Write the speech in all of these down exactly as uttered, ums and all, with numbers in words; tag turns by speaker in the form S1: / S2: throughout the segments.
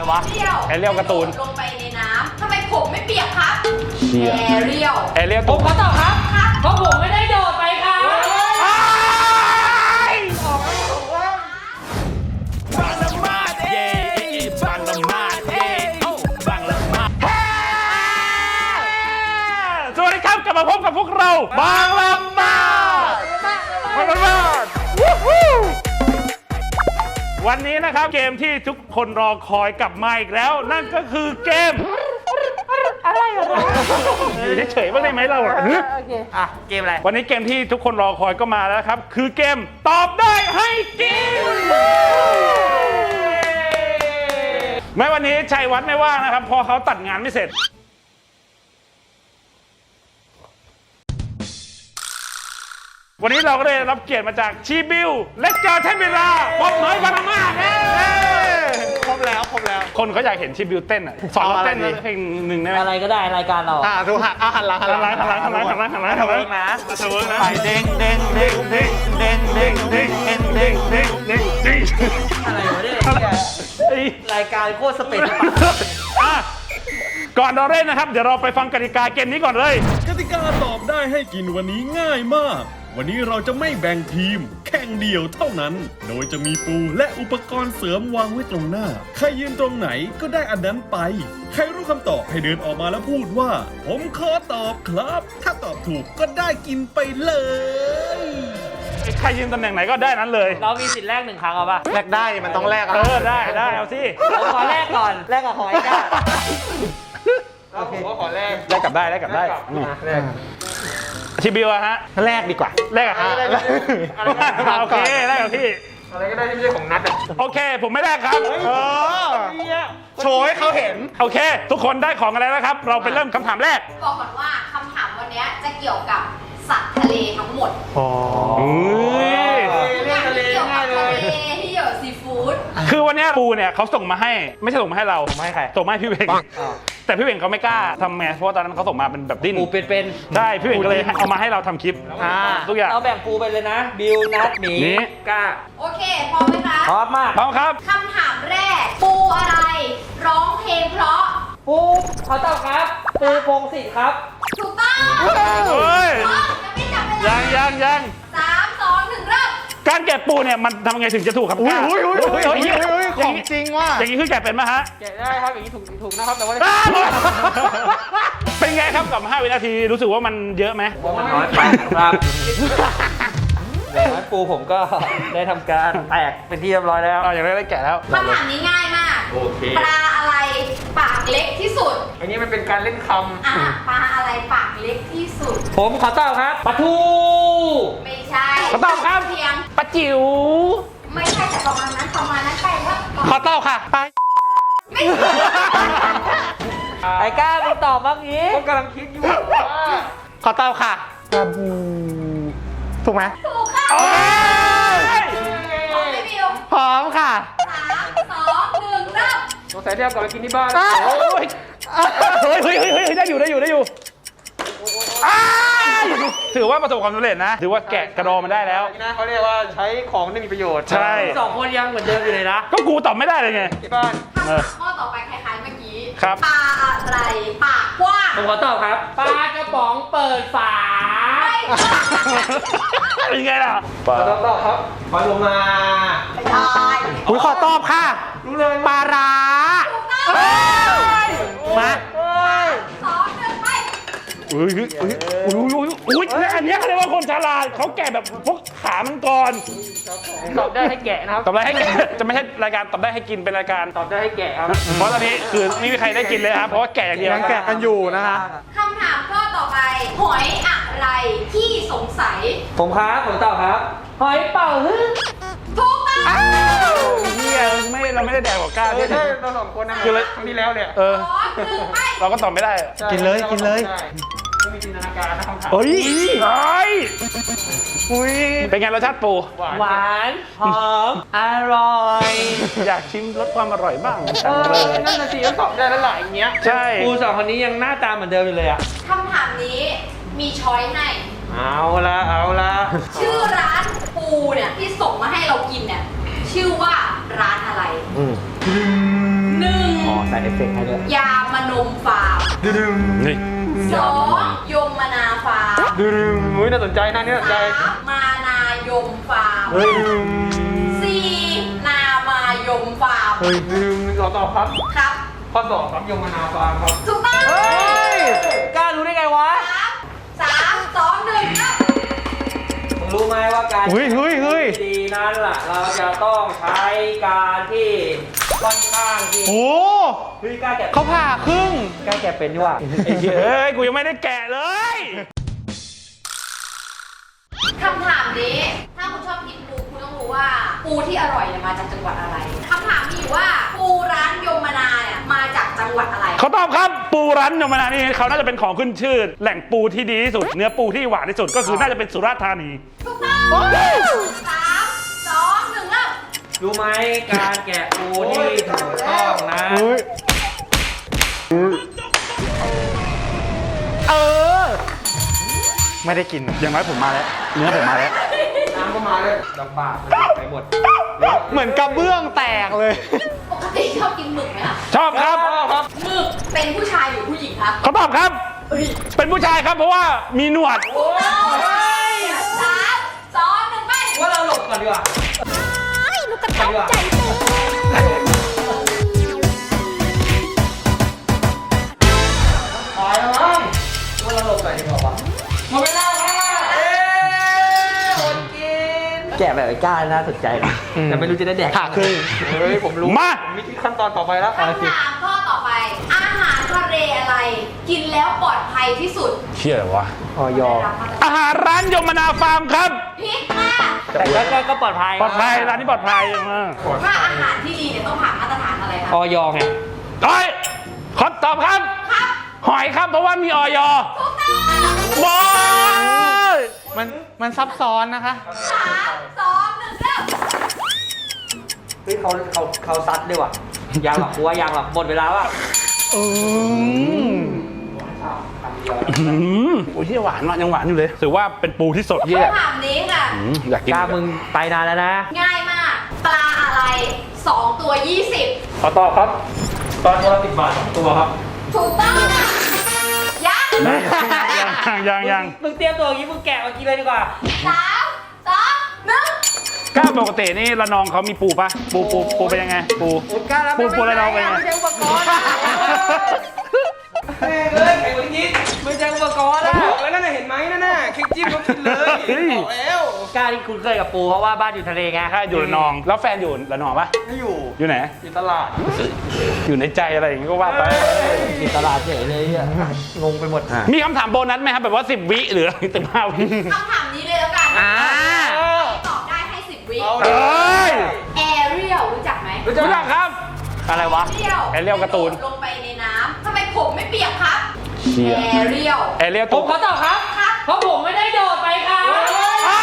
S1: วะ
S2: แอเรียลการ์ตูน
S3: ลงไปในน้ำทำไมผมไม่เปียกครับแอเรียล
S2: แอเรียล
S1: ผมขอตอบครับเพราะผมไม่ได้โดดไปครับ
S2: บางละมาดเย่บางละมาดเย่บางละมาดสวัสดีครับกลับมาพบกับพวกเราบางละมาดบางละมาดวันนี้นะครับเกมที่ทุกคนรอคอยกลับมาอีกแล้วนั่นก็คือเกมอะไรอะไรอยู่เฉยๆบ้างได้ไหมเราอ่ะ
S1: โอเคอ่ะเกมอะไร
S2: วันนี้เกมที่ทุกคนรอคอยก็มาแล้วครับคือเกมตอบได้ให้กินแม้วันนี้ชัยวัฒน์ไม่ว่างนะครับเพราะเขาตัดงานไม่เสร็จวันนี้เราก็ได้รับเกียรติมาจากชีบิวและเจอเทนเวลาพบน้อยบางมาก
S4: ครบแล้วครบแล้ว
S2: คนเขาอยากเห็นชีบิวเต้นอ่ะสอนเราเต้นเพลงหนึ่งได้ไหม
S1: อะไรก็ได้รายการเรา
S4: อ่าดูหันอ่ะหันหลังหันหลัง
S2: หันหลังหันหลังหันหลังหันหลังหันหลังหันหลังนะเวิร์กนะ
S4: เด้งเด้งเด้งเด้งเด้งเด้งเด้งเด้งเด้งเด้งเด้งเด้ง
S1: อะไรวะเนี่ยรายการโคตรสเปน
S2: อ่ะก่อนเราเล่นนะครับเดี๋ยวเราไปฟังกติกาเกมนี้ก่อนเลย
S5: กติกาตอบได้ให้กินวันนี้ง่ายมากวันนี้เราจะไม่แบ่งทีมแข่งเดี่ยวเท่านั้นโดยจะมีปูและอุปกรณ์เสริมวางไว้ตรงหน้าใครยืนตรงไหนก็ได้อันนั้นไปใครรู้คำตอบให้เดินออกมาแล้วพูดว่าผมขอตอบครับถ้าตอบถูกก็ได้กินไปเลย
S2: ใครยืนตำแหน่งไหนก็ได้นั้นเลย
S1: เรามีสิทธิ์แรกหนึ่งครั้งเอาป่ะ
S4: แลกได้มันต้องแลก
S2: เออได้ได้เอาสิ
S1: ผมขอแรกก่อนแรกกับหอยก้า
S4: โอเคขอแลก
S2: แลกกลับได้แลกกลับได้
S4: แลก
S2: ชิบิวอะฮะ
S4: แลกดีกว่า
S2: แลกอะฮะโอเคแลกกับพี่
S4: อะไรก็ได้ที่ไม่ใช่ของนัดอ่ะ
S2: โอเคผมไม่แลกครับ
S4: โชว์ให้เขาเห็น
S2: โอเคทุกคนได้ของอะไรแล้วครับเราไปเริ่มคำถามแรก
S3: บอกก่อนว่าคำถามวันนี้จะเกี่ยวกับสัตว์ทะเลทั้งหมด
S2: อ๋อ
S3: เรื่องทะเลง่ายเลยที่เกี่ยวกับซีฟู้ด
S2: คือวันนี้ปูเนี่ยเขาส่งมาให้ไม่ใช่ส่งมาให้เรา
S4: ส่งมาให้ใคร
S2: ส่งมาให้พี่เวงแต่พี่เวงเขาไม่กล้าทำไงเพราะตอนนั้นเขาส่งมาเป็นแบบดิ้น
S1: ปูเป็น
S2: ๆได้พี่เวงก็เลยเอามาให้เราทำคลิปทุกอย่าง
S1: เราแบ่งปูไปเลยนะบิวนัทหมีก้า
S3: โอเคพร้อมไหมคะ
S1: พร้อมมาก
S2: พร้อมครับ
S3: คำถามแรกปูอะไรร้องเพลงเพราะ
S1: ปูขอตอบครับปูพงศิษฐ์ครับ
S3: ถูกต้อง
S2: เฮ้ย
S3: ยังไม่จับเวลา
S2: ยังยังยัง
S3: สามสองหนึ่งเริ่ม
S2: การแกะปูเนี่ยมันทำไไงถึงจะถูกครับ
S4: อุ้ยอุ้ยอุ้ยอุ้ยอุ้ยของจริงว่ะ
S2: อย่างนี้คือแกะเป็นไหมฮะ
S1: แกะได้ครับอย่างนี้ถูกถูกนะครับแต่ว่า
S2: เป็นไงครับกับห้าวินาทีรู้สึกว่ามันเยอะไหม
S1: มันน้อยไปครับอย่างนั้นปูผมก็ได้ทำการแตกเป็นที่เรียบร้อยแล้ว
S2: อ๋ออย่างไรได้แกะแล้ว
S3: คำถามนี้ง่ายมาก
S4: โอเค
S3: ปลาอะไรปากเล็กที่สุด
S4: อันนี้มันเป็นการเล่นคำ
S3: อ่ะปลาอะไรปากเล็กที่สุด
S1: ผมขอตอบครับปลาทู
S3: ไม่ใช่
S2: ขอตอบครับ
S3: เพียง
S2: ปลาจิ๋ว
S3: ไม่ใช่แต่ประมาณนั้นประมาณนั้นไปว่า
S2: ขอตอบค่ะไป
S3: ไม่ใช่
S1: ไอ้ก้ามึงตอบบ้างงี้
S4: ผมกำลังคิดอยู่ว่า
S2: ขอตอบค่ะปลาบูถูกไหม
S3: ถูกค่ะ
S2: โอ้
S3: ยพร้อมไหมบิว
S2: พร้อมค่ะ
S3: สามสองหนึ่งเริ่ม
S4: สงสัยที่เอากลับไปกินที่บ้าน
S2: โอ้ยเฮ้ยเฮ้ยเฮ้ยได้อยู่ได้อยู่ได้อยู่ถือว่าประสบความสำเร็จนะถือว่าแกะกระดองมันได้แล้ว
S4: นะเขาเรียกว่าใช้ของที่มีประโยชน์
S2: ใช่
S1: สองคนยังเหมือนเดิมอยู่เลยนะ
S2: ก็กูตอบไม่ได้เลยไง
S4: ที่บ้าน
S3: ข้อต่อไปคล้ายๆเมื่อกี้
S2: ครับ
S3: ปลาอะไรปากกว้าง
S1: ผมขอตอบครับปลากระป๋องเปิดฝา
S2: เป็นไงล่ะ
S4: ปลาตอบครับปลาโลมา
S3: ไม่ได้
S2: ผมขอตอบค่ะ
S4: รู้เลย
S2: ปลาร้ามา
S3: สองหนึ่งไป
S2: อุ้ยอุ้ยอุ้ยอุ้ยอุ้ยอันนี้เขาเรียกว่าคนฉลาดเขาแกะแบบพวกขามันก่อน
S1: ตอบได้ให้แกะนะครับ
S2: ตอบได้ให้แกะจะไม่ใช่รายการตอบได้ให้กินเป็นรายการ
S1: ตอบได้ให้แกะครับ
S2: เพราะตอนนี้คือไม่มีใครได้กินเลยครับเพราะว่าแกะอย่างเดียว
S4: แกะกันอยู่นะคะ
S3: คำถามข้อต่อไปหอยอะไรที่สงสัย
S1: ผมครับผมตอบครับหอยเป่าฮึ่ง
S3: ถูกต้อง
S2: เฮียไม่เราไม่ได้แดกหัวก้า
S4: ใช่เราสองคนนะคือเลยครั้งที่แล้วเนี่ย
S2: เออเราก็ตอบไม่ได้
S4: กินเลยกินเลย
S1: ไม่มีจินตนาการนะคำถาม
S2: เฮ้ยเฮ้ยอุ้ยเป็นไงรสชาติปู
S1: หวานหอมอร่อย
S2: อยากชิมรสความอร่อยบ้างจังเลย
S4: นั่นน่ะสิต้องตอบได้แล้วหลายอย่างเงี้ย
S2: ใช่
S1: ปูสองคนนี้ยังหน้าตาเหมือนเดิมอยู่เลยอะ
S3: คำถามนี้มีช้อยให้
S4: เอาละเอาละ
S3: ชื่อร้านปูเนี่ยที่ส่งมาให้เรากินเนี่ยชื่อว่าร้านอะไรหนึ่ง
S1: ใส่เอฟเฟกต์ให้ด้วย
S3: ยามนมฟาร์ม
S2: นี่
S3: สองยมมนาฟาร์ม
S1: ดึงเฮ้ยน่าสนใจนะนี่น่าสนใจ
S3: สามมานายมฟาร์ม
S1: เฮ้ย
S3: สี่นามายมฟาร์ม
S1: เฮ้ยดึงขอตอบครับ
S3: ครับ
S1: ข้อสองครับยมนาฟาร์มครับ
S3: ถูกต้อง
S1: เฮ้ยกล้ารู้ได้ไงวะ
S3: สามสามสองหนึ่งครับ
S1: มึงรู้ไหมว่าการ
S4: เฮ้ยเฮ้ยเฮ้ย
S1: ดีนั้นล่ะ เราจะต้องใช้การที่ค่อนข้างที่
S4: โอ้
S1: เฮ้ยกล้าแกะ
S4: เขาผ่าครึ่ง
S1: กล้าแกะเป็นดีกว่า
S2: ไอ้เหี้ยเอ้ยกูยังไม่ได้แกะเลย
S3: คำถามนี้ ถ้าคุณชอบกินปูคุณต้องรู้ว่า ปูที่อร่อยเนี่ยมาจากจังหวัดอะไรคำถามมีอยู่ว่าปูร้านยมมนาเนี่ยมาจากจังหวัดอะไร
S2: เขาตอบครับปูรันยมนานี่เขาน่าจะเป็นของขึ้นชื่อ แหล่งปูที่ดีที่สุด เนื้อปูที่หวานที่สุดก็คือน่าจะเป็นสุราษฎร์ธานี
S3: ถูกต้องสามสองหนึ่งเริ่ม
S1: รู้ไหมการแกะปูที่ถูกต้องนะ
S4: เออ ไม่ได้กิน
S2: อย่างน้อยผมมาแล้ว เนื้อผมมาแล้ว
S1: น้ำก็มาเลยดอกบาทไปหมด
S4: เหมือนกระเบื้องแตกเลย
S3: ปกติชอบกินหมึกไหมคะ
S2: ชอบครับ
S3: หมึกเป็นผู้ชายหรือผู้หญิงครับ
S2: เขาตอบครับ เป็นผู้ชายครับเพราะว่ามีหนวด
S3: ถูกต้องสามสองหนึ่งไป
S1: ว่าเราหลบก่อนดีกว่า
S3: ลูกกระต่ายใจเต้น
S1: ตายแล้วมั้งว่าเราหลบก่อนดีกว่าวะหมดเวลาแล้วเอ๊ะคนกินแกะแบบไอ้ก้าน่าสนใจนะแต่ไม่รู้จะได้แดก
S4: ผ่าครึ่ง
S1: เฮ้ยผมรู้
S2: มา
S1: ผมมีขั้นตอนต่อไปแล้ว
S3: คำถามข้อต่อไป อาหารทะเลอะไร กินแล้วปลอดภัยที่สุด
S2: เชี่ยอะไรวะ
S1: ออยอ
S2: อาหารร้านยมนาฟาร์มครับ
S3: พิษมาก
S1: แต่ก็ก็ปลอดภัย
S2: ปลอดภัยร้านนี้ปลอดภัยมาก
S3: ถ้าอาหารที่ดีเนี่ยต้องผ่านมาตรฐานอะไรครับ
S1: ออยอไง
S2: เฮ้ยขอตอบครับ
S3: ครับ
S2: หอยครับเพราะว่ามีออย
S3: ถูกต้อง
S2: บอย
S4: มันมันซับซ้อนนะคะ
S3: สามสองหนึ่งเริ่ม
S1: เฮ้ยเขาเขาเขาซัดด้วยว่ะยังหรอกกูว่ายังหรอกหมดเวลาว่ะ
S2: อืมโอ้ยเหี้ยหวานมากยังหวานอยู่เลยถือว่าเป็นปูที่สดเยี่ย
S3: คำถามนี้ค่ะ
S2: อืมอยากกิน
S1: กล้ามึงไปนานแล้วนะ
S3: ง่ายมาก ปลาอะไรสองตัวยี่สิบ
S1: ขอตอบครับ ตอนตัวละสิบบาทสองตัวครับ
S3: ถูกต้องยัง
S2: ยังยังยัง
S1: มึงเตรียมตัวอย่างนี้มึงแกะมากินเลยดีกว่า
S3: สามสองหนึ่ง
S2: กล้าปกตินี่ระนองเขามีปูปะปูปูปูเป็นยังไงปู
S1: กล้าแล้ว
S2: ปูปูระนองเป็นยังไง
S1: ไม่ใช่อุปกรณ์อะเฮ้ยเฮ้ยไอ้คนนี้ไม่ใช่อุปกรณ์อะบอกแล้วนั่นน่ะเห็นไหมนั่นน่ะคลิกจิ้มก็กินเลยบอกแล้วกล้าที่คุ้นเคยกับปูเพราะว่าบ้านอยู่ทะเลไง
S2: ถ้าอยู่ระนอง แล้วแฟนอยู่ระนองปะ
S1: ไม่อยู่
S2: อยู่ไหน
S1: อยู่ตลาด
S2: อยู่ในใจอะไรอย่างงี้ก็ว่าไป
S1: อยู่ตลาดเฉยเลยอ่ะงงไปหมด
S2: มีคำถามโบนัสไหมครับแบบว่าสิบวิหรือสิบห้าวิ
S3: คำถามนี้เลยแล้วกัน
S2: อ่า
S3: ตอบได้ให้สิบวิ
S2: เอ้ย
S3: แอเรียลรู้จักไหม
S2: รู้จักครับ อะไรวะ
S3: แอเรียล
S2: แอเรียลการ์ตูน
S3: ลงไปในน้ำทำไมผมไม่เปียกครับ
S2: เชี่ย
S3: แอเรียล
S2: แอเรียล
S1: ผ
S2: ตัว
S1: มขอตอบครับ
S3: ครับ
S1: เพราะผมไม่ได้โดดไปครับ
S2: อ้าย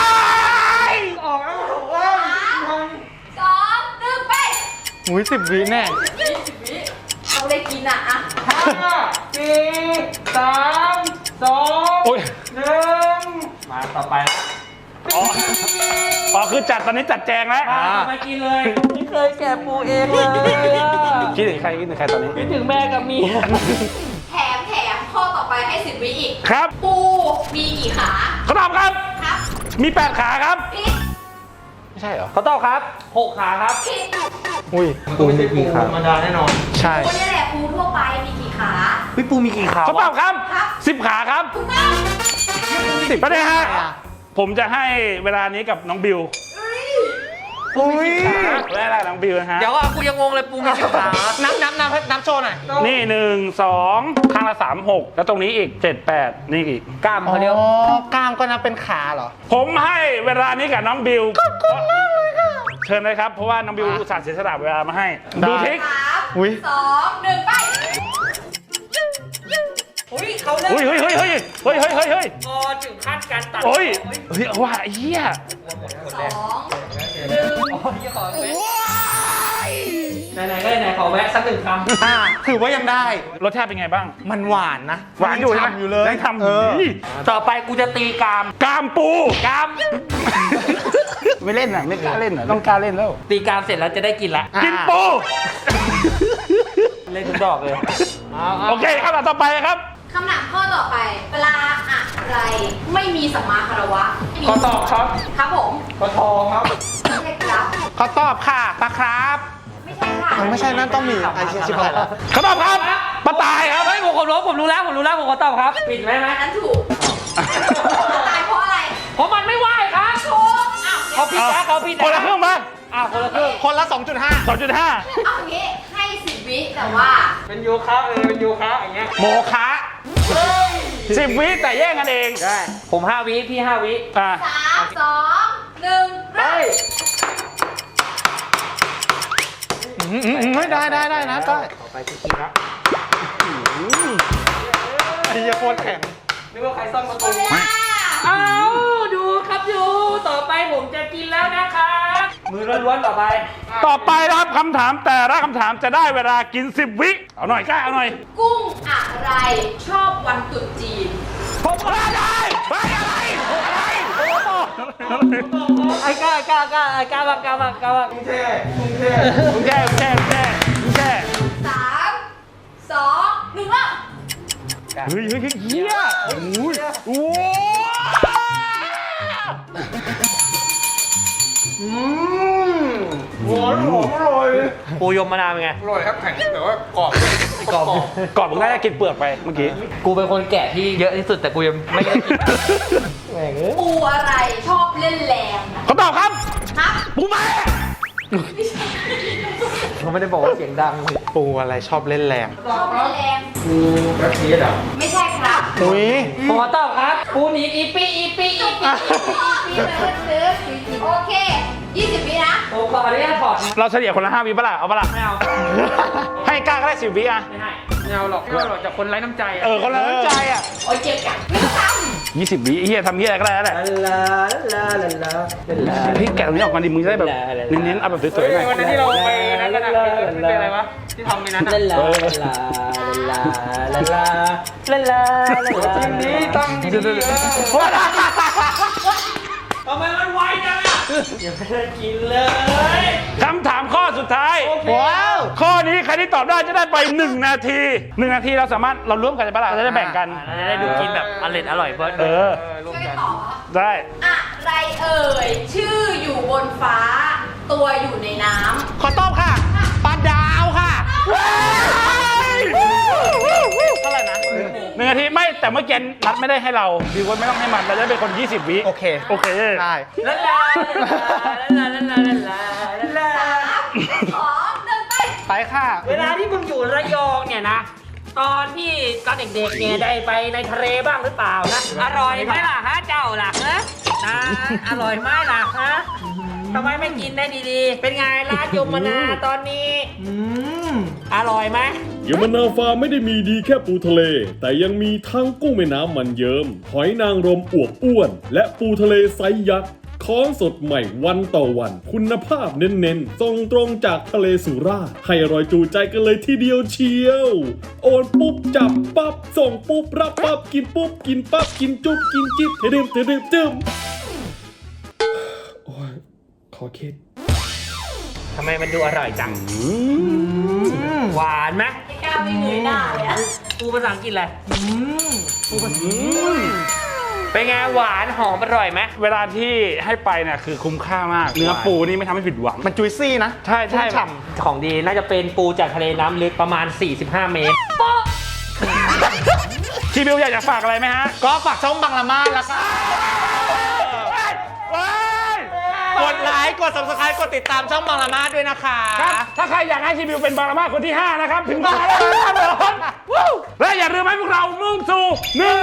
S1: ออกแล้วผมว่า
S3: สามสองหนึ่งไป
S4: อุ้ยสิบวิแน่
S3: ยี่สิบวิต้องได้กินอ่ะอะ
S1: ห้าสี่สามสอง
S2: โอ้ย
S1: หนึ่งมาต่อไปแล้ว
S2: อ๋ออ๋อคือจัดตอนนี้จัดแจงแล้ว
S1: มาไปกินเลยไม่เคยแกะปูเองเลยอะ
S2: คิดถึงใครคิดถึงใครตอนนี้
S1: คิดถึงแม่กับเมีย
S3: แถมแถมข้อต่อไปให้สิบวิอีก
S2: ครับ
S3: ปูมีกี่ขา
S2: เขาตอบครับ
S3: ครับ
S2: มีแปดขาครับ
S3: ผิด
S2: ไม่ใช่เหรอ
S1: เขาตอบครับหกขาครับ
S3: ผิด
S4: อุ้ย
S1: ปูมีกี่ขาธรรมดาแน่นอน
S4: ใช่
S3: ปูนี่แหละปูทั่วไปมีกี่ขา
S1: พี่ปูมีกี่ขา
S2: เขาตอบครับ
S3: ครับ
S2: สิบขาครับ
S3: ถูกต้อง
S2: สิบประเด็นฮะ ผมจะให้เวลานี้กับน้องบิว
S4: อุ้ย
S2: แรกๆน้องบิวนะฮะ
S1: เดี๋ยวอ่ะกูยังงงเลยปูมีกี่ขา
S4: นับนับนับนับโชว์หน่อย
S2: นี่หนึ่งสองข้างละสามหกแล้วตรงนี้อีกเจ็ดแปดนี่อีก
S1: กล้ามเขาเรียก
S4: อ๋อกล้ามก็นับเป็นขาเหรอ
S2: ผมให้เวลานี้กับน้องบิวขอบคุณมากเลยค่ะเชิญเลยครับเพราะว่าน้องบิวอุตส่าห์เสียสละเวลามาให้
S4: ได้
S2: ดูทิก
S3: สาม
S4: อุ๊ย
S3: สองหนึ่งไป
S1: อุ้ยเขาเล่น
S2: เฮ้ยเฮ้ยเฮ้ยเฮ้ยเฮ้ยเฮ้ยเฮ้ยเฮ้ย
S1: พอถึงขั้นการตัด
S2: โอ้ยเฮ้ยว่าไอ้เหี้ย
S3: สองหนึ่ง
S1: ไหนๆก็ไหนๆขอแวะสักหนึ่งคำ
S4: อ่าถือว่ายังได้
S2: รสชาติเป็นไงบ้าง
S4: มันหวานนะ
S2: หวานอยู่ใช่ไหม
S4: ฉ่ำอยู่เลย
S2: ยังทำ
S4: เออ
S2: นี่
S1: ต่อไปกูจะตีกราม
S2: กามปู
S1: กราม
S2: ไม่เล่นอ่ะไม่กล้าเล่นอ่ะต้องกล้าเล่นแล้ว
S1: ตีกรามเสร็จแล้วจะได้กินละ
S2: กินปู
S1: เล่นทุกดอกเลย
S2: โอเคคำถามต่อไปครับ
S3: คำถามข้อต่อไปปลาอะไรไม่มีสัมมาคารวะ
S1: ขอตอบครับ
S3: ครับผม
S1: ขอทองครับ
S3: ไม่ใช่ครับ
S4: ขอตอบค่ะปลาครับ
S3: ไม่ใช่ค่ะ
S4: ไม่ใช่นั่นต้องมีไอเชียชิบหายแล้ว
S2: คำตอบครับปลาตายครับ
S1: เฮ้ยผมผมรู้ผมรู้แล้วผมรู้แล้วผมขอตอบครับปิดไหมไหม
S3: อันนั้นถูกตายเพราะอะไร
S1: เพราะมันไม่ไหวครับ
S3: ถูกอ้าว
S1: เขาผิดนะเขาผิดนะ
S2: คนละครึ่งมา
S1: อ่ะคนละครึ่ง
S4: คนละสองจุดห้า
S2: สองจุดห้า
S3: เอาอย่างงี้ให้สิบวิแต่ว่า
S1: เป็นโยคะเออเป็นโยคะอย่างเงี้ย
S2: โมคะสิบวิแต่แย่งกันเอง
S1: ได้ผมห้าวิพี่ห้าวิ
S2: อ่ะ
S3: สามสองหนึ่งเริ่ม
S4: ไม่ได้ได้ได้นะได้
S1: ต่อไปคือคิดนะ
S4: ไอ้เหี้ยโคตรแข็ง
S1: นึกว่าใครซ่อมประ
S3: หม
S1: ตู
S3: ดเวลา
S1: เอาดูครับดูต่อไปผมจะกินแล้วนะครับมือล้วนๆต่อไป
S2: ต่อไปนะครับคำถามแต่ละคำถามจะได้เวลากินสิบวิเอาหน่อยกล้าเอาหน่อย
S3: กุ้งอะไรชอบวันตรุษจีน
S2: ผมก็ได้ไปอะไรอะไรโอ้โห
S1: ไอ้กล้าไอ้กล้าไอ้กล้าไอ้กล้าบ้างกล้าบ้างกล้าบ้างกรุงเทพกรุงเทพ
S2: มึงแช่มึงแช่มึงแช่มึงแช่
S3: สามสองหนึ่งเริ่ม
S2: เฮ้ยเฮ้ยเฮ้ยเฮียโอ้ยโอ้ย
S1: อืมหวานหอมอร่อยปูยมมะนาวเป็นไง
S6: อร่อยครับแข็งแต่ว่ากรอบ
S1: กรอบ
S2: กรอบมึงน่าจะกินเปลือกไปเมื่อกี้
S1: กูเป็นคนแก่ที่เยอะที่สุดแต่กูยังไม่ได้กินแหม่งเอ้ย
S3: ปูอะไรชอบเล่นแรง
S2: เขาตอบครับ
S3: ครับ
S2: ปูแม่
S1: เขาไม่ได้บอกว่าเสียงดัง
S4: ปูอะไรชอบเล่นแรง
S3: ชอบเล่นแรง
S1: กูแบ็คทีสอ่ะ
S3: ไม่ใช่ครับ
S4: อุ้ย
S1: ผมขอตอบครับปูหนีอีปีอีปีอีปี
S3: ปีเติร์ดเติร์ดโอเคยี่สิบวินะ
S1: ผมขออนุญาตถอดนะ
S2: เราเฉลี่ยคนละห้าวิปะล่ะเอาปะล่ะ
S1: ไม่เอา
S2: ให้กล้าก็ได้สิบวิอ่ะ
S1: ไม่ให้ไม่เอาหรอกไม่เอาหรอกจากคนไร้น้ำใจอะ
S2: เออคนละน้ำใจอ่ะ
S3: โอ้ยเจ็บจังไม่ต้องท
S2: ยี่สิบวิเฮียทำเฮียอะไรก็ได้แล้วแหละ
S1: ลาลาลาลาลา
S2: พี่แกะตรงนี้ออกมาดิมึงจะได้แบบเน้นๆเอาแบบสวยๆหน่อย
S6: วันนั้นที่เราไปนั่นกันอะเป็นอะไรวะ ที่ทำในนั้น
S1: ลา
S6: อะ
S1: ลาลาลาลาลาลาลาลา
S6: จริงนี้ตั้งดีๆเออ
S1: ทำไมมันไวจังอ่ะยังไม่ได้กินเลย
S2: คำถามข้อสุดท้าย
S4: ว้าว
S2: ข้อนี้ใครที่ตอบได้จะได้ไปหนึ่งนาทีหนึ่งนาทีเราสามารถเราร่วมกันได้ปะล่ะเราจะได้แบ่งกัน
S1: จะได้ดูกินแบบอร่อยอร่อยเบิร์ด
S2: เออ
S3: ำช่วยกันตอบครับ
S2: ได้
S3: อะไรเอ่ย ชื่ออยู่บนฟ้า ตัวอยู่ในน้
S4: ขอตอบค่ะปลาดาวค่ะ
S2: เท่าไหร่นะหนึ่งนาทีไม่แต่เมื่อกี้นัดไม่ได้ให้เราดีว่าไม่ต้องให้มันเราจะเป็นคนยี่สิบวิ
S4: โอเค
S2: โอเค
S4: ได้
S1: ลาลาลาลาลาลาลาลา
S3: ำสามสองหนึ่งไป
S4: ไปค่ะ
S1: เวลาที่มึงอยู่ระยองเนี่ยนะ ตอนที่ตอนเด็กๆเนี่ยได้ไปในทะเลบ้างหรือเปล่านะ อร่อยไหมล่ะฮะเจ้าล่ะฮะนะอร่อยไหมล่ะฮะทำไมไม่กินได้ดีๆ เป็นไงร้านยมนาตอนนี้อร่อยไหม
S5: ยมนาฟาร์มไม่ได้มีดีแค่ปูทะเล แต่ยังมีทั้งกุ้งแม่น้ำมันเยิ้มหอยนางรมอวบอ้วน และปูทะเลไซส์ยักษ์ของสดใหม่วันต่อวัน คุณภาพเน้นๆส่งตรงจากทะเลสุราษฎร์ให้อร่อยจูใจกันเลยทีเดียวเชียว โอนปุ๊บจับปั๊บส่งปุ๊บรับปั๊บกินปุ๊บกินปั๊บกินจุ๊บกินจิ๊บเทดื่มเทดื่มจึมโอ้ยขอคิด
S1: ทำไมมันดูอร่อยจังหวานไหม
S3: ไม่กล้าไม่เงยหน้าเลยอะ
S1: ปูภาษาอังกฤษอะไรปูภาษาเป็นไงหวานหอมอร่อยไหม
S2: เวลาที่ให้ไปเนี่ยคือคุ้มค่ามาก เนื้อปูนี่ไม่ทำให้ผิดหวัง
S4: มันจุยซี่นะ
S1: ใช่ใช่
S4: ฉ่
S1: ของดีน่าจะเป็นปูจากทะเลน้ำลึกประมาณ สี่สิบห้า เมตร
S2: ชีบิวอยากจะฝากอะไรไหมฮะ
S4: ก็ฝากช่องบังละมาดแล้วก็
S2: ว้าย
S4: กดไลค์กด ซับสไครบ์ กดติดตามช่องบังละมาดด้วยนะคะ
S2: ครับ ถ้าใครอยากให้ชีบิวเป็นบารามาคนที่ห้านะครับ ถึงมาแล้วนะครับผมวู้และอย่าลืมให้พวกเรามุ่งสู่หนึ่ง